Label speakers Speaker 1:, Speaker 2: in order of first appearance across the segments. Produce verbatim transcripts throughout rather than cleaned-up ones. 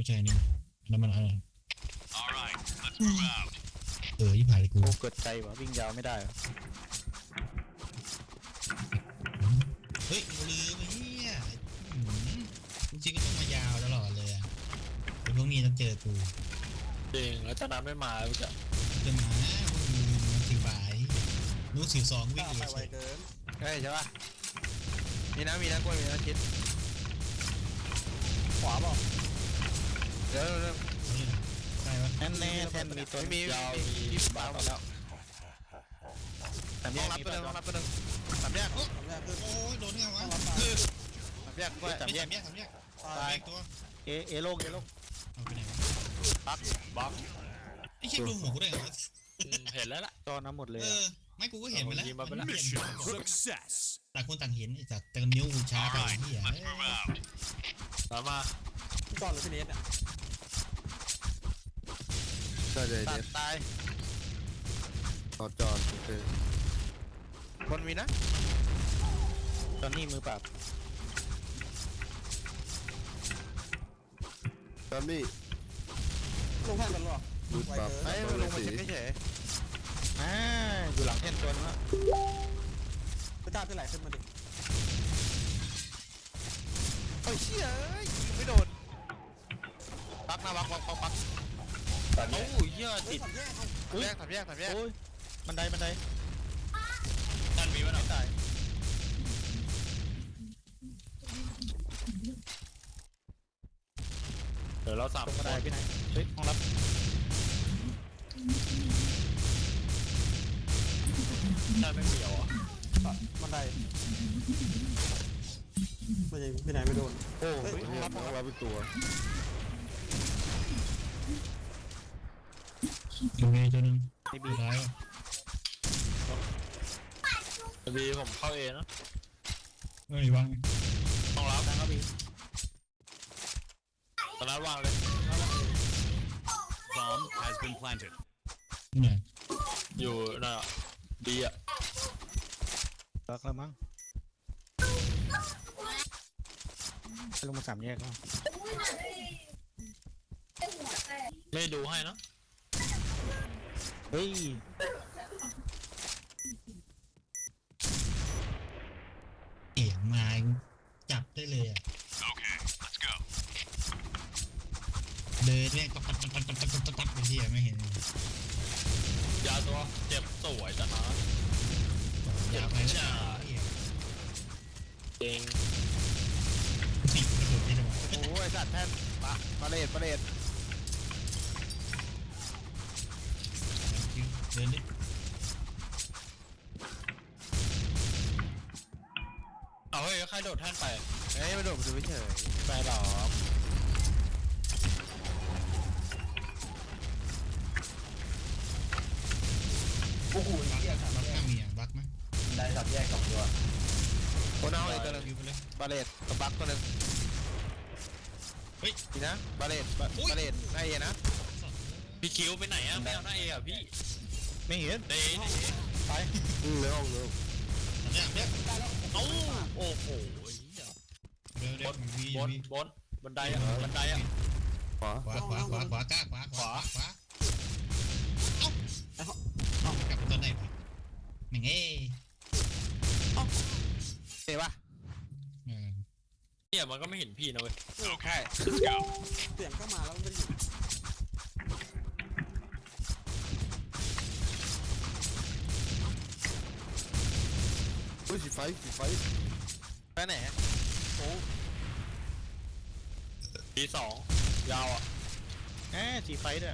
Speaker 1: ใช่นี่แล้วมันอะไรเออยี่ผ่านเลยกู
Speaker 2: โอ้เกิดใจวะวิ่งยาวไม่ได้วะ
Speaker 1: เฮ้ยกูลืมไอ้เหี้ยจริงๆก็ต้องมายาวตลอดเลยอะไอ้พวกนี้ต้องเจอกู
Speaker 3: จริงแล้วจากนั้นไม่มาแล้วจะ
Speaker 1: จะมาพวกมึงมันถือบ่ายนู้นถือสองวิ่ง
Speaker 4: ไป
Speaker 1: เลย
Speaker 4: ไวเกิน
Speaker 2: เฮ้ยใช่ปะมีนะมีนะกล้วยมีนะชิด
Speaker 4: ขวาบอก
Speaker 2: เดี๋ยวเดี๋ยว
Speaker 1: ใช่ปะ
Speaker 2: แน่แน่แทนมีตัวมียาวมีบ้าหมดแล้วแต่ห้องรับตัวนึงห้องรับตัวนึงสามแยก
Speaker 4: สามแยกขึ้น
Speaker 1: โอ้ยโดนไงวะ
Speaker 4: ต้องรับตาย
Speaker 2: สามแยกกล้วยสาม
Speaker 1: ไม่
Speaker 2: แย
Speaker 1: สาก มแยกสามแยก
Speaker 4: ตาย
Speaker 1: แยกตัว
Speaker 2: เอเอโลกเอโลก
Speaker 1: เอาไปไหนวะ
Speaker 2: บักบัก
Speaker 1: ไอ้เชี่ยดูหัวกูได้ไงวะ
Speaker 3: เห็นแล้วล่ะ
Speaker 2: จอน้ำหมดเลย
Speaker 1: เออไม่กูก็เห็นไปแล้ว
Speaker 3: ยิงมาไปแล้ว
Speaker 1: นเห็น
Speaker 5: Success.
Speaker 1: ต่างคนต่างเห็นไอ้สัตว์แต่นิ้วกูช้าไปไอ้เหี้ย
Speaker 3: ตามมา
Speaker 4: พี่จอนหรือพี่เนสเนี่ย
Speaker 6: ใช่เลย
Speaker 2: ตั
Speaker 6: เด็
Speaker 2: ด
Speaker 6: ด
Speaker 2: ตาย
Speaker 6: ต่อจอนโอเค
Speaker 2: คนมีนะตอนนี้มือปราบ
Speaker 6: จอนนี่
Speaker 4: ลงแท่นกันหรอ
Speaker 6: ดูด
Speaker 4: ไว
Speaker 6: ปรับ
Speaker 4: เกิน
Speaker 2: เฮ้ยลงมาเช็คเฉยๆอ่าอยู่หลังแท่นตัวนึงละ
Speaker 4: พี่จ้าพี่ไหลขึ้นมาดิ
Speaker 2: โอ้ยเชี่ยเอ้ยยิงไม่โดนปักนะปักปักปักปัก
Speaker 3: โอ้ยเหี้ย
Speaker 4: เฮ้ย
Speaker 3: ติด
Speaker 4: สามแยกเอา
Speaker 2: แยกสามแยกสามแยก
Speaker 1: โอ้ย
Speaker 2: บันไดบันได
Speaker 3: นั่นมีวะ
Speaker 2: ไม่
Speaker 3: เนาะ
Speaker 2: ตาย
Speaker 3: เดี๋ยวเราสาม
Speaker 2: ตรง
Speaker 3: ค
Speaker 2: บันได
Speaker 3: น
Speaker 2: พี่นายเฮ้ยห้องรับ
Speaker 3: นั่นไม่มีเหรอ
Speaker 4: บันไดไม่ใช่พี่ไหนไม่โดน
Speaker 2: โอ้
Speaker 4: เฮ้ย
Speaker 2: เฮ้ยห้องรับห้อง
Speaker 6: ต้อ
Speaker 2: รับ
Speaker 6: งรับเป็นตัว
Speaker 1: ดูไงตัวนึง
Speaker 2: นี่
Speaker 1: สุ
Speaker 2: บี
Speaker 1: ดท้ายวะ
Speaker 3: บีผมเข้าเองนะ
Speaker 1: เอ้ยวาง
Speaker 3: ต้องรับ
Speaker 2: ทางรับบี
Speaker 3: ตอนนั้นวางเลย
Speaker 5: Bomb has been planted.
Speaker 1: ที่ไหน
Speaker 3: อยู่น่ะบีอ่ะ
Speaker 2: รักแล้วมั้งไปลงมาสามแยกแล้ว
Speaker 3: ไม่ดูให้นะ
Speaker 2: เฮ้ย
Speaker 1: เอ๋มาจับได้เลยอ่ะ
Speaker 5: Okay, let's go.
Speaker 1: เดินเนี่ยก็ตับตับตับตับตับตับตับไปที่ไม่เห็น
Speaker 3: ยาตัวเจ็บสวยจังนะ
Speaker 1: ยาวไปแล้ว
Speaker 3: เอง
Speaker 1: สิกระโดดได้ไหม
Speaker 2: โอ้ยสัตว์แท่นปะปะเลดปะเลด
Speaker 1: เดินดิ
Speaker 3: เอาเฮ้ยใครโดดแท่นไป
Speaker 2: เฮ้ยมาโดดมาดูเฉย
Speaker 3: ไปหรอ
Speaker 4: โอ้โห
Speaker 1: บัก
Speaker 4: เหี้ย
Speaker 1: บักข้างมีอ่ะบักไหม
Speaker 4: ได้สามแยกสองตัว
Speaker 2: คนเอาอีกตัวนึง
Speaker 1: ยิวไปเลย
Speaker 2: ปะเลดกับบักตัวนึง
Speaker 1: เฮ้ย
Speaker 2: นี่นะปะเลดปะปะเลดนายเอนะ
Speaker 3: พี่คิวไปไหนอ่ะไม่เอาหน้าเออ่ะพี่
Speaker 2: ไม่เห็น
Speaker 3: เดย์
Speaker 2: ไป
Speaker 6: อืมในห้องเลย
Speaker 1: สามแยกเนี่ย
Speaker 3: เอ้าโอ้โห
Speaker 1: เดี๋ยวเดี๋ยววี
Speaker 3: บน
Speaker 1: วี
Speaker 3: บนบันไดอ่ะบันไดอ่ะ
Speaker 6: ขวา
Speaker 1: ขวาขวาขวาขวากล้าขวาขวาขวาเอ้า
Speaker 4: เอ้า
Speaker 1: กลับมาตอนไหนวะแม่งเอ้
Speaker 2: เห็นปะ
Speaker 1: เออ
Speaker 3: เนี่ยมันก็ไม่เห็นพี่นะเว้ย
Speaker 5: Okay, let's go.
Speaker 4: เสียงก็มาแล้วมันไม่ได้อยู่
Speaker 6: เฮ้ยสีไฟสีไฟ
Speaker 2: ไปไหน
Speaker 3: ทีสองยาวอ่ะ
Speaker 2: แหมสีไฟด้วย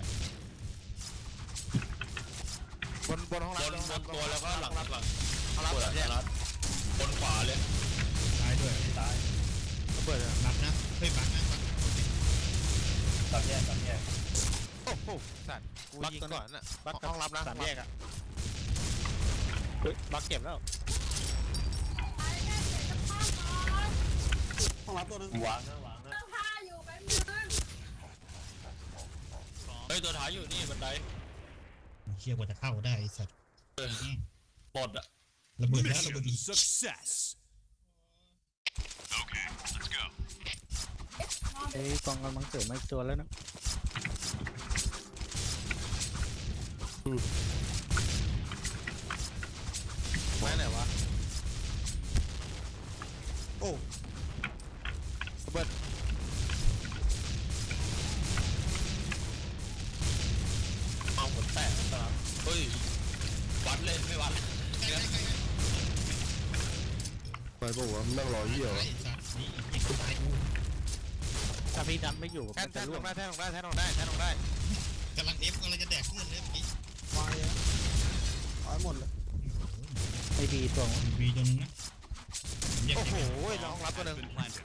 Speaker 2: บนบนห้อง
Speaker 3: บ
Speaker 2: รับบ
Speaker 3: นบนตัวแล้วก็หลังหลัง
Speaker 2: ห้องรับ
Speaker 3: ปวด
Speaker 2: สามแยก
Speaker 3: รัดบนขวาเลย
Speaker 1: ตายด้วย
Speaker 4: ตาย
Speaker 2: เปิดเลย
Speaker 1: บักนะเฮ้ยบักนะบัก
Speaker 4: สามแยกสามแยก
Speaker 2: โอ้โหสัตว์กูยิงก่อนน่ะบักห้องรับนะสามแยกอ่ะเฮ้ยบักเก็บแล้ว
Speaker 4: ห้องรับตัวนึง
Speaker 3: วางนะวางนะ
Speaker 7: ผ้าอยู่แป๊บนึง
Speaker 3: เฮ้ยตัวท้ายอยู่นี่บันได
Speaker 1: เชี่ยกว่าจะเข้าได้ไอ้สัตว์
Speaker 3: หมดอ่ะ
Speaker 1: ระเบิดแล้วระเบิด
Speaker 5: Mission
Speaker 1: อีก
Speaker 5: success. Okay, let's go.
Speaker 7: It's เอ้ยกองกำลังเสริมมาอีกตัวแล้วนะ
Speaker 2: ไม้ไหนวะ
Speaker 6: โอ้
Speaker 2: ระเบิด
Speaker 3: เอาหมดแตกแล้วเฮ้ยวัดเลยไม่วัด
Speaker 1: ใกล้ใกล้ใกล้
Speaker 6: ไปปะวะมันนั่งรอเหี้ยวะ
Speaker 1: ไอ้สัตว์นี่ยิงตายกู
Speaker 7: ถ้าพี่ดันไม่อยู่
Speaker 2: แท่
Speaker 7: มัน น
Speaker 2: แท่
Speaker 7: จะ
Speaker 2: นล
Speaker 7: ร่ว
Speaker 2: ง
Speaker 7: ง
Speaker 2: ได้แท่นลงได้แท่นลงได้แท่นลงได้
Speaker 1: กำลังเอฟกำลังจะแดกเพื่อนเลยเมื่อกี้
Speaker 6: วายอะตายหมดเลย
Speaker 7: ไอบีตัว
Speaker 1: วีตัวนึงนะแยก
Speaker 2: โอ้
Speaker 1: แย
Speaker 2: โห
Speaker 1: ก
Speaker 2: น้องรับตัวหนึ่ง
Speaker 5: Been planted.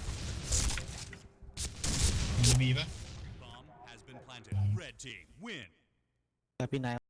Speaker 1: มีวีปะ
Speaker 5: Bomb has been planted. Red team win.
Speaker 7: ถ้าพี่นาย